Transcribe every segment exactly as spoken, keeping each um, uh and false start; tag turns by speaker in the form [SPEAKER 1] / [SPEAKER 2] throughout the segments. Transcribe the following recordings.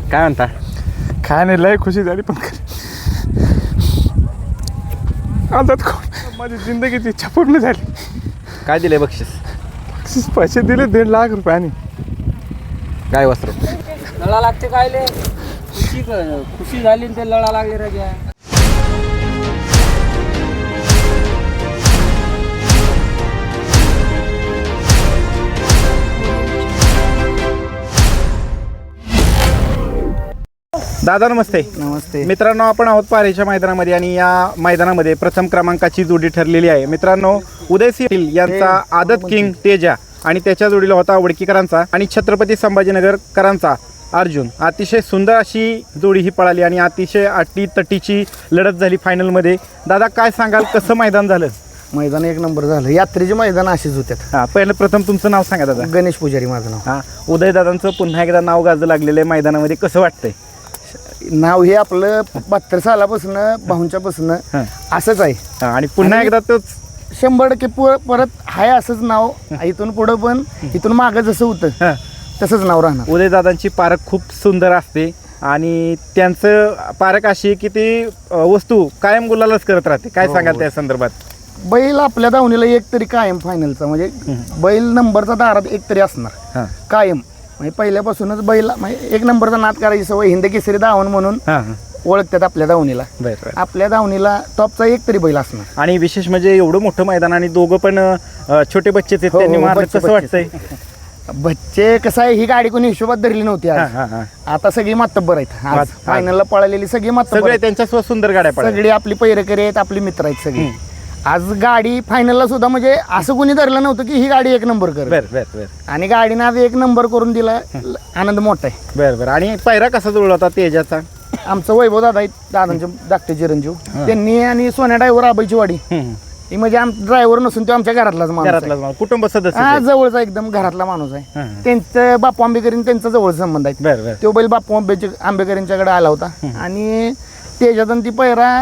[SPEAKER 1] काय म्हणता?
[SPEAKER 2] काय नाही, लय खुशी झाली. पण आता माझी जिंदगीची इच्छा पूर्ण झाली.
[SPEAKER 1] काय दिले बक्षीस?
[SPEAKER 2] बक्षीस पैसे दिले दीड लाख रुपयाने.
[SPEAKER 1] काय वस्त्र?
[SPEAKER 3] लढा लागते कायले? खुशी खुशी झाली ते लढा लागले राजा.
[SPEAKER 1] दादा नमस्ते.
[SPEAKER 4] नमस्ते
[SPEAKER 1] मित्रांनो, आपण आहोत पारेच्या मैदानामध्ये आणि या मैदानामध्ये प्रथम क्रमांकाची जोडी ठरलेली आहे. मित्रांनो, उदयसिंह यांचा आदत किंग तेजा आणि त्याच्या जोडीला होता वडकीकरांचा आणि छत्रपती संभाजीनगरकरांचा अर्जुन. अतिशय सुंदर अशी जोडी ही पळाली आणि अतिशय अटी तटीची लढत झाली फायनलमध्ये. दादा काय सांगाल, कसं मैदान झालं?
[SPEAKER 4] मैदान एक नंबर झालं. यात्रेचे मैदान असेच होत्यात.
[SPEAKER 1] हां, पहिलं प्रथम तुमचं नाव सांगा दादा.
[SPEAKER 4] गणेश पुजारी माझं नाव.
[SPEAKER 1] हां, उदयदादांचं पुन्हा एकदा नाव गाजं लागलेलं आहे मैदानामध्ये, कसं वाटतंय?
[SPEAKER 4] नाव हे आपलं बहात्तर सालापासून भाऊंच्यापासून
[SPEAKER 1] हां
[SPEAKER 4] असंच आहे.
[SPEAKER 1] हां, आणि पुन्हा
[SPEAKER 4] आणि
[SPEAKER 1] एकदा तोच
[SPEAKER 4] शंभर टक्के पु- परत आहे असंच नाव. इथून पुढं पण इथून मागं जसं होतं
[SPEAKER 1] हां.
[SPEAKER 4] तसंच नाव राहणार.
[SPEAKER 1] उदयदादांची पारख खूप सुंदर असते आणि त्यांचं पारख अशी आहे की ती अ, वस्तू कायम गुलालच करत राहते. काय
[SPEAKER 4] हो,
[SPEAKER 1] सांगाल
[SPEAKER 4] हो.
[SPEAKER 1] त्या संदर्भात?
[SPEAKER 4] बैल आपल्या दावणीला एक तरी कायम फायनलचा म्हणजे बैल नंबरचा दारात एक तरी असणार
[SPEAKER 1] हां
[SPEAKER 4] कायम. म्हणजे पहिल्यापासूनच बैल म्हणजे एक नंबरचा नाद करायची सवय. हिंद केसरी धावण म्हणून
[SPEAKER 1] हां हां,
[SPEAKER 4] ओळखतात आपल्या दावणीला.
[SPEAKER 1] बरं बरं.
[SPEAKER 4] आपल्या दावणीला टॉपचा एक तरी बैल असणार.
[SPEAKER 1] आणि विशेष म्हणजे एवढं मोठं मैदान आणि दोघं पण अ, छोटे बच्चेच आहेत.
[SPEAKER 4] हो,
[SPEAKER 1] त्यांनी
[SPEAKER 4] हो,
[SPEAKER 1] मारलं,
[SPEAKER 4] बच्चे-
[SPEAKER 1] कसं
[SPEAKER 4] बच्चे.
[SPEAKER 1] वाटतंय?
[SPEAKER 4] बच्चे कसं आहे, ही गाडी कोणी हिशोबात धरली नव्हती
[SPEAKER 1] हां
[SPEAKER 4] आज.
[SPEAKER 1] हां हां,
[SPEAKER 4] आता सगळी मातब्बर आहेत. आज
[SPEAKER 1] आज-
[SPEAKER 4] फायनलला पळालेली सगळी मातब्बर
[SPEAKER 1] सगळे
[SPEAKER 4] आहेत.
[SPEAKER 1] त्यांच्या स्व सुंदर गाड्या पडल्या.
[SPEAKER 4] सगळी आपली पैरकरी आहेत, आपली मित्र आहेत सगळी. आज गाडी फायनलला सुद्धा म्हणजे असं कोणी धरलं नव्हतं की ही गाडी एक नंबर कर.
[SPEAKER 1] बरं बरं बरं
[SPEAKER 4] आणि गाडीनं आज एक नंबर करून दिला. आनंद मोठा आहे.
[SPEAKER 1] बरं बरं. आणि पायरा कसा जुळला होता तेजाचा?
[SPEAKER 4] आमचं वैभव दादा आहेत, दादांचे धाकटे चिरंजीव. त्यांनी आणि सोन्या ड्रायव्हर आबाईची वाडी
[SPEAKER 1] हम्म.
[SPEAKER 4] ही म्हणजे आम ड्रायव्हर नसून तो आमच्या घरातलाच माणूस आहे.
[SPEAKER 1] घरातला कुटुंब सदस्य
[SPEAKER 4] हा,
[SPEAKER 1] ते.
[SPEAKER 4] जवळचा एकदम घरातला माणूस आहे.
[SPEAKER 1] हां.
[SPEAKER 4] त्यांचं बापू आंबेकरीन त्यांचा जवळ संबंध आहे.
[SPEAKER 1] बरं बरं.
[SPEAKER 4] तो बैल बापू आंबेचे आंबेकरांच्याकडे आला होता आणि त्याच्यातून ती पैरा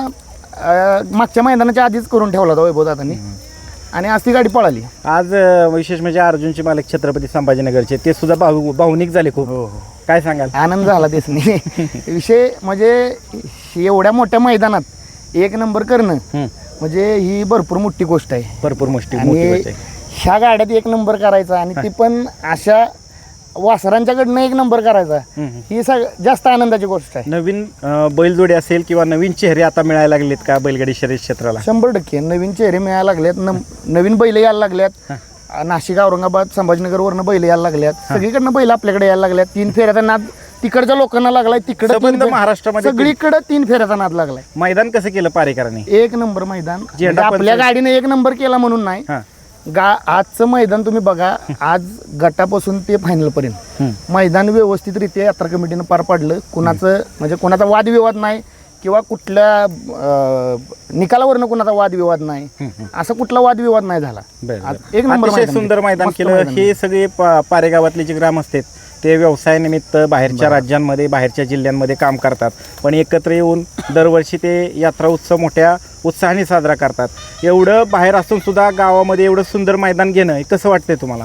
[SPEAKER 4] अं, मागच्या मैदानाच्या आधीच करून ठेवला होता वैभव दादांनी. आणि आज ती गाडी पळाली.
[SPEAKER 1] आज अ, विशेष म्हणजे अर्जुनचे मालक छत्रपती संभाजीनगरचे ते सुद्धा भाऊ भावनिक झाले खूप. काय सांगाल?
[SPEAKER 4] आनंद झाला त्यासनी. विषय म्हणजे एवढ्या मोठ्या मैदानात एक नंबर करणं
[SPEAKER 1] हम्म.
[SPEAKER 4] म्हणजे ही भरपूर मोठी गोष्ट आहे.
[SPEAKER 1] भरपूर मोठी मोठी
[SPEAKER 4] आणि
[SPEAKER 1] गोष्ट आहे.
[SPEAKER 4] ह्या गाड्यात एक नंबर करायचा आणि ती पण अशा वासरांच्याकडनं एक नंबर करायचा,
[SPEAKER 1] हम्म.
[SPEAKER 4] ही सग जास्त आनंदाची गोष्ट आहे.
[SPEAKER 1] नवीन अ, बैलजोडी असेल किंवा नवीन चेहरे आता मिळायला लागलेत का बैलगाडी शर्यत क्षेत्राला?
[SPEAKER 4] शंभर टक्के नवीन चेहरे मिळायला लागलेत. न- नवीन बैल यायला लागल्यात. नाशिक, औरंगाबाद, संभाजीनगरवरनं बैल यायला लागल्यात. सगळीकडनं बैल आपल्याकडे यायला लागल्यात. तीन फेऱ्याचा नाद तिकडच्या लोकांना लागलाय. तिकडे
[SPEAKER 1] संबंध महाराष्ट्रामध्ये
[SPEAKER 4] सगळीकडे तीन फेऱ्याचा नाद लागलाय.
[SPEAKER 1] मैदान कसं केलं पारेकरांनी?
[SPEAKER 4] एक नंबर मैदान.
[SPEAKER 1] झेंडा
[SPEAKER 4] म्हणजे आपल्या
[SPEAKER 1] पंच-
[SPEAKER 4] गाडीने एक नंबर केला म्हणून नाही.
[SPEAKER 1] हां
[SPEAKER 4] गा आजचं मैदान तुम्ही बघा. आज गटापासून ते फायनल पर्यंत
[SPEAKER 1] हम्म.
[SPEAKER 4] मैदान व्यवस्थितरित्या यात्रा कमिटीनं पार पाडलं. कुणाचं म्हणजे कोणाचा वादविवाद नाही किंवा कुठल्या अं, निकालावरनं कुणाचा वादविवाद नाही. असा कुठला वादविवाद नाही झाला.
[SPEAKER 1] बरं,
[SPEAKER 4] आज
[SPEAKER 1] बरं.
[SPEAKER 4] एक नंबर
[SPEAKER 1] अतिशय
[SPEAKER 4] मैदान
[SPEAKER 1] सुंदर
[SPEAKER 4] केलं.
[SPEAKER 1] मैदान
[SPEAKER 4] मस्त
[SPEAKER 1] केलं.
[SPEAKER 4] मैदान
[SPEAKER 1] हे सगळे पा- पारेगावातले जे ग्रामस्थ आहेत ते व्यवसायानिमित्त बाहेरच्या राज्यांमध्ये बाहेरच्या जिल्ह्यांमध्ये काम करतात, पण एकत्र येऊन दरवर्षी ते यात्रा उत्सव मोठ्या उत्साहाने साजरा करतात. एवढं बाहेर असून सुद्धा गावामध्ये एवढं सुंदर मैदान घेणं हे कसं वाटतंय तुम्हाला?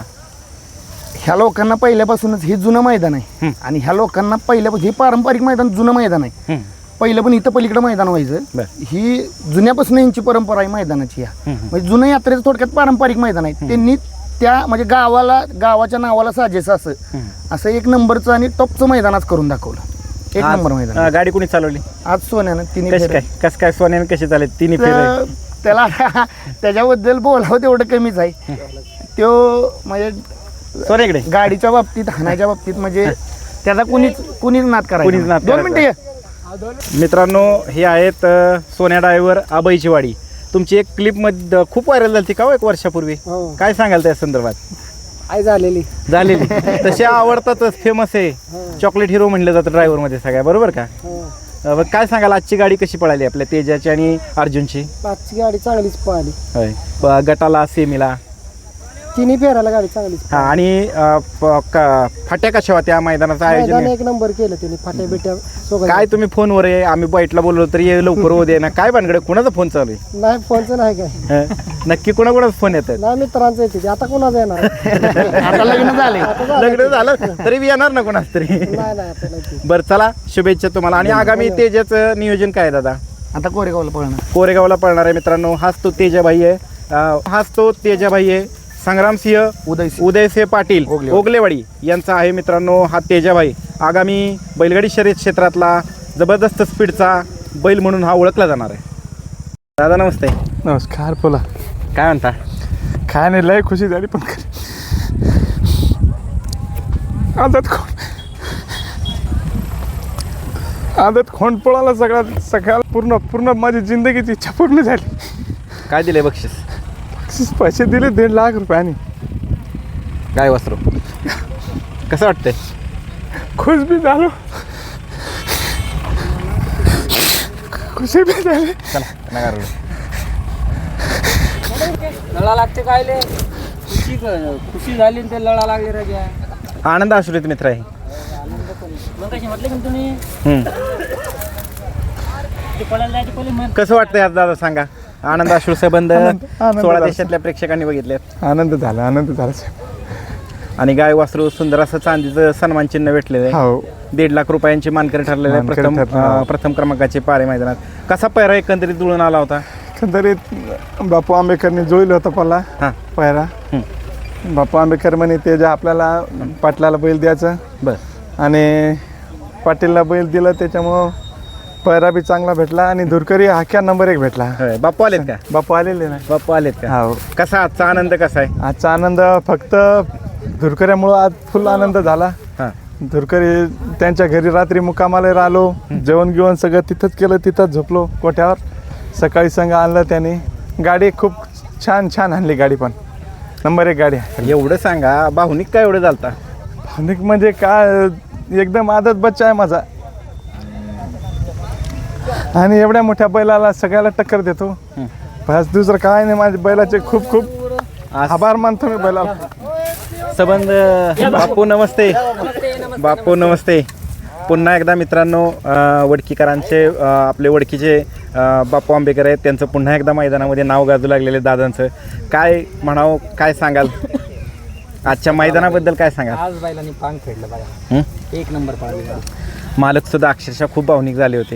[SPEAKER 4] ह्या लोकांना पहिल्यापासूनच हे जुनं मैदान आहे. आणि ह्या लोकांना पहिल्यापासून हे पारंपरिक मैदान जुनं मैदान आहे.
[SPEAKER 1] हम्म.
[SPEAKER 4] पहिलं पण इथं पलीकडे मैदान व्हायचं.
[SPEAKER 1] बरं.
[SPEAKER 4] ही जुन्यापासून यांची परंपरा आहे मैदानाची. ह्या
[SPEAKER 1] हम्म.
[SPEAKER 4] म्हणजे जुनं यात्रेचं थोडक्यात पारंपरिक मैदान आहे. त्यांनी त्या म्हणजे गावाला गावाच्या नावाला साजेसं असं असं एक नंबरचं आणि टॉपचं मैदानाच करून दाखवलं. एक
[SPEAKER 1] आज,
[SPEAKER 4] नंबर मैदान.
[SPEAKER 1] अ, गाडी कोणी चालवली?
[SPEAKER 4] आज सोन्यानं तिन्ही
[SPEAKER 1] कशी
[SPEAKER 4] फेऱ्या.
[SPEAKER 1] काय कसं काय सोन्याने कशी चालेल तिन्ही फेरे?
[SPEAKER 4] तर त्याला त्याच्याबद्दल बोलावं तेवढं कमीच आहे. तो म्हणजे
[SPEAKER 1] सोन्याकडे
[SPEAKER 4] गाडीच्या बाबतीत हाणाच्या बाबतीत म्हणजे त्याचा कुणीच कुणीच नाद
[SPEAKER 1] कुणीच नाद
[SPEAKER 4] करायचा. दोन
[SPEAKER 1] करायचा.
[SPEAKER 4] मिनिटं ये.
[SPEAKER 1] मित्रांनो, हे आहेत अ, सोन्या ड्रायव्हर आबाईची वाडी. तुमची एक क्लिप मध्ये खूप व्हायरल झाली का हो एक वर्षापूर्वी?
[SPEAKER 3] हो.
[SPEAKER 1] काय सांगाल त्या संदर्भात?
[SPEAKER 3] आई झालेली.
[SPEAKER 1] झालेली तसे आवडतातच, फेमस आहे. चॉकलेट हिरो म्हणलं जातं ड्रायव्हर मध्ये सगळ्या, बरोबर का? अ, मग काय सांगाल आजची गाडी कशी पळाली आपल्या तेजाची आणि अर्जुनची?
[SPEAKER 3] पाचची गाडी चांगलीच पळाली.
[SPEAKER 1] होय. ब- गटाला सेमीला
[SPEAKER 5] तिन्ही फेरायला गाडी चांगलीच
[SPEAKER 1] हा आणि अ, प- क- फाट्या कशा होत्या मैदानाचं
[SPEAKER 5] मैदान
[SPEAKER 1] आयोजन
[SPEAKER 5] एक नंबर केलं त्यांनी फाट्या बिट्या सोबत
[SPEAKER 1] काय तुम्ही फोनवर आहे आम्ही बाईटला बोललो तरी ये लवकर होऊ दे ना काय भानगड कुणाचा फोन चालू आहे
[SPEAKER 5] नाही फोनचं नाही काय
[SPEAKER 1] हं? नक्की कुणाकुणाचा फोन येतात
[SPEAKER 5] नाही मित्रांचं येते ते. आता कोणाचं येणार
[SPEAKER 4] आता लग्न झाले
[SPEAKER 1] लग्न झालं तरी बी येणार ना कोणाच तरी
[SPEAKER 5] नाही नाही आता नाही ते.
[SPEAKER 1] बरं चला शुभेच्छा तुम्हाला आणि आगामी तेजाचं नियोजन काय आहे दादा
[SPEAKER 4] आता कोरेगावला पळणार
[SPEAKER 1] कोरेगावला पळणार आहे मित्रांनो हाच तो तेजाभाई आहे अं, हाच तो तेजाभाई आहे संग्रामसिंह
[SPEAKER 4] उदयसिंह.
[SPEAKER 1] उदयसिंह पाटील
[SPEAKER 4] ओगलेवाडी.
[SPEAKER 1] ओगलेवाडी यांचा आहे मित्रांनो हा तेजाभाई आगामी बैलगाडी शर्यत क्षेत्रातला जबरदस्त स्पीडचा बैल म्हणून हा ओळखला जाणार आहे दादा नमस्ते
[SPEAKER 2] नमस्कार बोला.
[SPEAKER 1] काय म्हणता
[SPEAKER 2] काय नाही लय खुशी झाली पण आदत खोंड आदत खोंड पळाला सगळा सगळ्या पूर्ण पूर्ण माझी जिंदगीची इच्छा पूर्ण झाली.
[SPEAKER 1] काय दिले बक्षीस
[SPEAKER 2] बक्षीस पैसे दिले दीड लाख रुपयांनी.
[SPEAKER 1] काय वस्त्र कसं वाटतंय
[SPEAKER 2] खुश बी झालो खुशी बी झाली.
[SPEAKER 1] चला नका रडू.
[SPEAKER 3] लळा लागते काय ले खुशी क- खुशी झाली आणि ते लळा लागले रे घ्या.
[SPEAKER 1] आनंद आश्रित मित्र आहे
[SPEAKER 3] मग कशी म्हटले का तुम्ही
[SPEAKER 1] हम्म.
[SPEAKER 3] ते पळायला जायचे पहिले मग
[SPEAKER 1] कसं वाटतंय आज दादा सांगा आनंद अश्रू संबंध
[SPEAKER 2] आनंद- आनंद
[SPEAKER 1] सोळा
[SPEAKER 2] झाला.
[SPEAKER 1] देशातल्या प्रेक्षकांनी बघितले
[SPEAKER 2] आनंद झाला आनंद झाला साहेब.
[SPEAKER 1] आणि गाय वासरू सुंदर असं चांदीचं सन्मान चिन्ह भेटलेलं आहे
[SPEAKER 2] हो
[SPEAKER 1] दीड लाख रुपयांची मानकरी ठरलेले आहे
[SPEAKER 2] मानकरी
[SPEAKER 1] प्रथम
[SPEAKER 2] ठरले, हो.
[SPEAKER 1] अं, प्रथम क्रमांकाचे पारे मैदानात कसा पैरा एकंदरीत जुळून आला होता
[SPEAKER 2] एकंदरीत बापू आंबेकरने जोडलं होतं पला
[SPEAKER 1] हां
[SPEAKER 2] पायरा. बापू आंबेकर म्हणे ते जे आपल्याला पाटलाला बैल द्यायचं
[SPEAKER 1] बर
[SPEAKER 2] आणि पाटीलला बैल दिलं त्याच्यामुळं पैरा बी चांगला भेटला आणि धुरकरी हाक्या नंबर एक भेटला.
[SPEAKER 1] होय बाप्पू आलेत का
[SPEAKER 2] बापू आलेले ना.
[SPEAKER 1] बाप्पू आलेत का
[SPEAKER 2] हो
[SPEAKER 1] कसा आजचा आनंद कसा आहे
[SPEAKER 2] आजचा आनंद फक्त धुरकऱ्यामुळं आज फुल आनंद झाला.
[SPEAKER 1] हां
[SPEAKER 2] धुरकरी त्यांच्या घरी रात्री मुक्कामाला राहिलो जेवण गिवण सगळं तिथंच केलं तिथंच झोपलो कोठ्यावर. सकाळी संग आणलं त्याने गाडी खूप छान छान आणली गाडी पण नंबर एक गाडी.
[SPEAKER 1] एवढं सांगा भावनिक काय एवढं झालता
[SPEAKER 2] अनेक म्हणजे काय एकदम आदत बच्चा आहे माझा आणि एवढ्या मोठ्या बैलाला सगळ्याला टक्कर देतो. बस दुसरं काय नाही माझ्या बैलाचे खूप खूप
[SPEAKER 1] आज
[SPEAKER 2] आभार मानतो मी बैलाला.
[SPEAKER 1] संबंध बापू नमस्ते बापू नमस्ते पुन्हा एकदा मित्रांनो अं, वडकीकरांचे अं, आपले वडकीचे अं, बापू आंबेकर आहेत त्यांचं पुन्हा एकदा मैदानामध्ये नाव गाजू लागलेले दादांचं काय म्हणावं काय सांगाल आजच्या मैदानाबद्दल काय सांगाल
[SPEAKER 3] आज बैलांनी पांग फेडलं बघा
[SPEAKER 1] हं?
[SPEAKER 3] एक नंबर पळाली.
[SPEAKER 1] मालक सुद्धा अक्षरशः खूप भावनिक झाले होते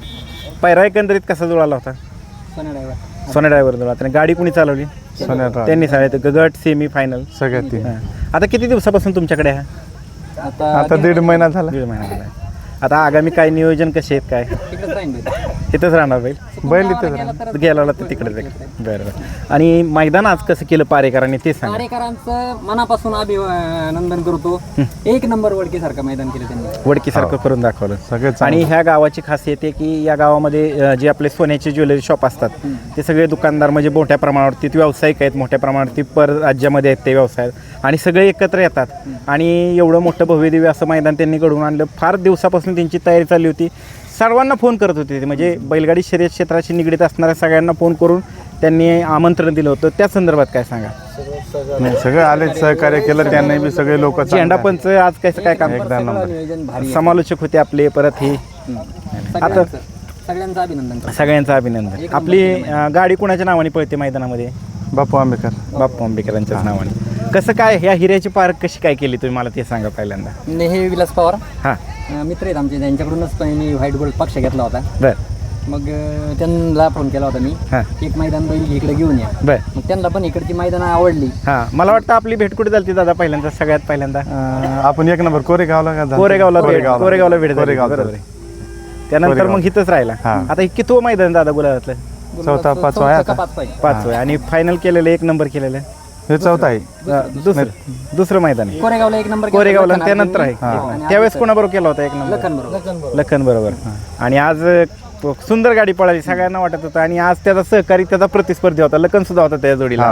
[SPEAKER 1] पैरा एकंदरीत कसा जुळाला होता
[SPEAKER 3] सोन्या ड्रायव्हर
[SPEAKER 1] सोन्या ड्रायव्हर जुळला त्याने गाडी कुणी चालवली
[SPEAKER 2] सोन्यात
[SPEAKER 1] त्यांनी सांगितलं गट सेमी फायनल
[SPEAKER 2] सगळ्यात ती
[SPEAKER 1] आता किती दिवसापासून तुमच्याकडे आहे
[SPEAKER 3] आता
[SPEAKER 2] आता दीड महिना झाला.
[SPEAKER 1] दीड महिना झाला आहे. आता आगामी काय नियोजन कसे आहेत काय
[SPEAKER 3] तिकडेच राहीन बैल.
[SPEAKER 1] तिथंच राहणार बैल
[SPEAKER 2] बैल इथे झाला.
[SPEAKER 1] गेला तर तिकडेच आहे. बरं बरं आणि मैदान आज कसं केलं पारेकरांनी ते सांगा
[SPEAKER 3] कार्यकरांचं मनापासून अभिनंदन करतो. एक नंबर वडकीसारखं मैदान केलं त्यांनी.
[SPEAKER 1] वडकीसारखं करून दाखवलं
[SPEAKER 2] सगळं
[SPEAKER 1] आणि
[SPEAKER 2] चांगलं.
[SPEAKER 1] ह्या गावाची खासियत आहे की या गावामध्ये अं, जे आपले सोन्याचे ज्वेलरी शॉप असतात ते सगळे दुकानदार म्हणजे मोठ्या प्रमाणावरती ते व्यावसायिक आहेत मोठ्या प्रमाणावरती पर राज्यामध्ये आहेत ते व्यवसाय आणि सगळे एकत्र येतात आणि एवढं मोठं भव्यदिव्य असं मैदान त्यांनी घडवून आणलं. फार दिवसापासून त्यांची तयारी चालली होती. सर्वांना फोन करत होते ते म्हणजे बैलगाडी शर्यत क्षेत्राशी निगडीत असणाऱ्या सगळ्यांना फोन करून त्यांनी आमंत्रण दिलं होतं त्या संदर्भात काय सांगा
[SPEAKER 2] नाही, सगळे आले सहकार्य केलं त्यांनी बी सगळे लोक
[SPEAKER 1] झेंडा पंच आज कसं काय काम
[SPEAKER 2] एकदा नंबर.
[SPEAKER 3] नियोजन भारी आहे.
[SPEAKER 1] समालोचक होते आपले परत हे
[SPEAKER 3] सगळ्यांचं सगळ्यांचं अभिनंदन करतो.
[SPEAKER 1] सगळ्यांचं अभिनंदन आपली अं, गाडी कुणाच्या नावाने पळते मैदानामध्ये
[SPEAKER 2] बापू आंबेकर.
[SPEAKER 1] बाप्पू आंबेकरांच्याच नावाने कसं काय ह्या हिऱ्याची पार्क कशी काय केली तुम्ही मला ते सांगा पहिल्यांदा
[SPEAKER 3] ने हे विलास पवार
[SPEAKER 1] हां
[SPEAKER 3] अं, मित्र आहेत आमचे त्यांच्याकडूनच पण मी व्हाईट गोल्ड पक्ष घेतला होता.
[SPEAKER 1] बर
[SPEAKER 3] मग अं, त्यांना फोन केला होता मी
[SPEAKER 1] हां
[SPEAKER 3] एक मैदान बैल इकडे घेऊन या.
[SPEAKER 1] बर
[SPEAKER 3] मग त्यांना पण इकडची मैदान आवडली.
[SPEAKER 1] हां मला वाटतं आपली भेट कुठे झाली दादा पहिल्यांदा सगळ्यात पहिल्यांदा
[SPEAKER 2] अं, आपण एक नंबर कोरेगावला का झालं?
[SPEAKER 1] कोरेगावला भेट
[SPEAKER 2] कोरेगावला
[SPEAKER 1] कोरेगावला भेट झाली
[SPEAKER 2] कोरेगाव
[SPEAKER 1] बरोबर आहे. त्यानंतर मग
[SPEAKER 2] कोरेगाव.
[SPEAKER 1] इथंच राहिला
[SPEAKER 2] हां.
[SPEAKER 1] आता हे कितवं मैदान दादा गुलाबातलं
[SPEAKER 2] चौथा, पाचवा
[SPEAKER 3] चौथा
[SPEAKER 2] आहे
[SPEAKER 3] का
[SPEAKER 2] आता.
[SPEAKER 3] पाचवा आहे.
[SPEAKER 1] पाच वय आणि फायनल केलेलं एक नंबर केलेलं
[SPEAKER 2] हे चौथा आहे.
[SPEAKER 1] अं, दुसरं दुसरं मैदान आहे.
[SPEAKER 3] कोरेगावला एक नंबर केला.
[SPEAKER 1] कोरेगावला
[SPEAKER 3] लखन
[SPEAKER 1] त्यानंतर आहे
[SPEAKER 3] अर्जुनी. आणि
[SPEAKER 1] त्यावेळेस
[SPEAKER 3] आज
[SPEAKER 1] कोणाबरोबर केला होता एक नंबर
[SPEAKER 3] लखन बरोबर.
[SPEAKER 1] लखन बरोबर आणि आज अ, सुंदर गाडी पळाली सगळ्यांना वाटत होतं आणि आज त्याचा सहकारी त्याचा प्रतिस्पर्धी होता लखन सुद्धा होता त्या जोडीला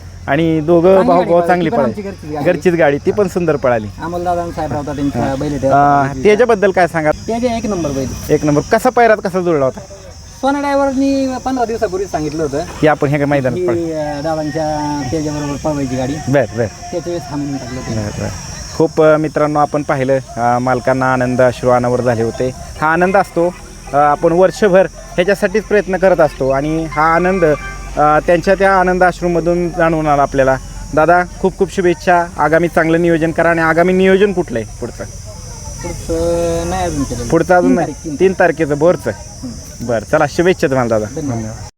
[SPEAKER 1] आणि दोघं
[SPEAKER 3] चांगली
[SPEAKER 1] भाऊ
[SPEAKER 3] गाडी
[SPEAKER 1] भाऊ
[SPEAKER 3] पळाली.
[SPEAKER 1] चांगली
[SPEAKER 3] ती पण आमची
[SPEAKER 1] पळाली
[SPEAKER 3] घरचीच गाडी.
[SPEAKER 1] घरचीच गाडी ती पण सुंदर पळाली
[SPEAKER 3] अमोलदादा साहेब होता त्यांच्या बैल
[SPEAKER 1] अ, त्याच्याबद्दल काय सांगा
[SPEAKER 3] त्याचे एक नंबर बैल
[SPEAKER 1] एक नंबर कसा पैरात कसा जुळला होता
[SPEAKER 3] सोना ड्रायव्हरनी पंधरा दिवसापूर्वी सांगितलं होतं
[SPEAKER 1] की आपण ह्या मैदानात पळ
[SPEAKER 3] की अं, दादांच्या त्याच्याबरोबर पळवायची गाडी
[SPEAKER 1] बर बर
[SPEAKER 3] त्याच्या वेळेस थांबून टाकलं होतं.
[SPEAKER 1] बर बर खूप अ, मित्रांनो आपण पाहिलं अ, मालकांना आनंद अश्रू अनावर झाले होते. हा आनंद असतो अ, आपण वर्षभर ह्याच्यासाठीच प्रयत्न करत असतो आणि हा आनंद अ, त्यांच्या त्या आनंद अश्रूमधून जाणवून आला आपल्याला. दादा खूप खूप शुभेच्छा. आगामी चांगलं नियोजन करा. आणि आगामी नियोजन कुठलं आहे पुढचं?
[SPEAKER 3] पुढचं नाही अजून केलं.
[SPEAKER 1] पुढचं अजून
[SPEAKER 3] तीन
[SPEAKER 1] नाही
[SPEAKER 3] तारीख, तीन
[SPEAKER 1] तीन तारखेचं बोरचं बरं चला शुभेच्छा तुम्हाला दादा.
[SPEAKER 3] धन्यवाद.